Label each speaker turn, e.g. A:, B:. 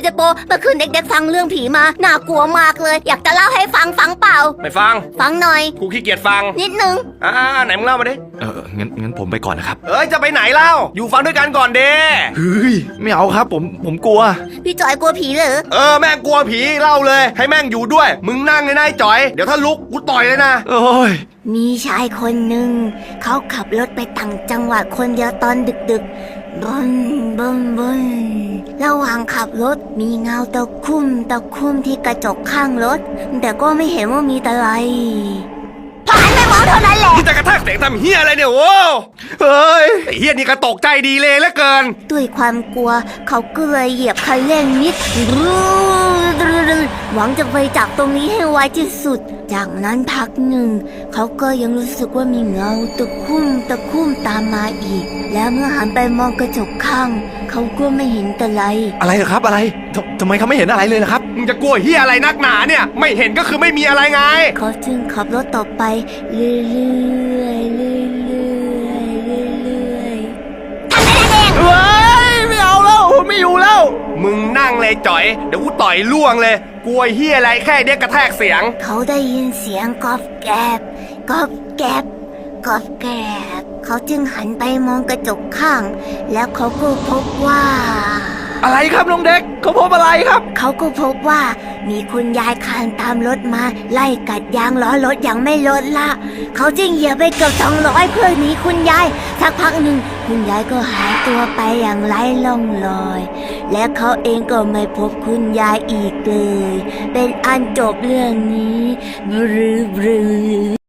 A: พี่เจโปเมื่อคืนเด็กๆฟังเรื่องผีมาน่ากลัวมากเลยอยากจะเล่าให้ฟังเปล่า
B: ไม่ฟัง
A: หน่อย
B: กูขี้เกียจฟัง
A: นิดนึง
B: ไหนมึงเล่ามาดิ
C: งั้นผมไปก่อนนะครับ
B: จะไปไหนเล่าอยู่ฟังด้วยกันก่อนเด้
C: เฮ้ยไม่เอาครับผมกลัว
A: พี่จอยกลัวผีเหรอ
B: แม่งกลัวผีเล่าเลยให้แม่งอยู่ด้วยมึงนั่งเลยนะไอ้จอยเดี๋ยวถ้าลุกกูต่อยเลยนะ
C: โอ้ย
A: มีชายคนหนึ่งเขาขับรถไปต่างจังหวัดคนเดียวตอนดึกๆบนระหว่างขับรถมีเงาตะคุ่มที่กระจกข้างรถแต่ก็ไม่เห็นว่ามีอะไรพอหันไปมองเท่านั้นแหละ
B: ที่จะกระแทกเสียงทำเฮียอะไรเนี่ยโว้เฮ้ยไอ้เฮียนี่กระตกใจดีเลยเหลือเกิน
A: ด้วยความกลัวเขาก็เลยเหยียบคันเร่งนิดหวังจะไปจากตรงนี้ให้ไวที่สุดจากนั้นพักหนึ่งเขาก็ยังรู้สึกว่ามีเงาตะคุ่มตามมาอีกแล้วเมื่อหันไปมองกระจกข้างเขาก็ไม่เห็น
C: อะไรเหรอครับอะไรทำไมเขาไม่เห็นอะไรเลยล่ะครับ
B: มึงจะกลัวเฮียอะไรนักหนาเนี่ยไม่เห็นก็คือไม่มีอะไรไง
A: เขาจึงขับรถต่อไปเรื่อยทำไมล่ะเด็ก
C: เฮ้ยไม่เอาแล้วไม่อยู่แล้ว
B: มึงนั่งเลยจ่อยเดี๋ยวกูต่อยล่วงเลยกลัวเฮียอะไรแค่เด็กกระแทกเสียง
A: เขาได้ยินเสียงกอบแกบเขาจึงหันไปมองกระจกข้างแล้วเขาก็พบว่า
C: อะไรครับน้องเด็กเขาพบอะไรครับ
A: เขาก็พบว่ามีคุณยายคลานตามรถมาไล่กัดยางล้อรถอย่างไม่ลดละเขาจึงเหยียบไปเกือบ200เพื่อหนีคุณยายสักพักหนึ่งคุณยายก็หายตัวไปอย่างไร้ร่องรอยและเขาเองก็ไม่พบคุณยายอีกเลยเป็นอันจบเรื่องนี้บรือ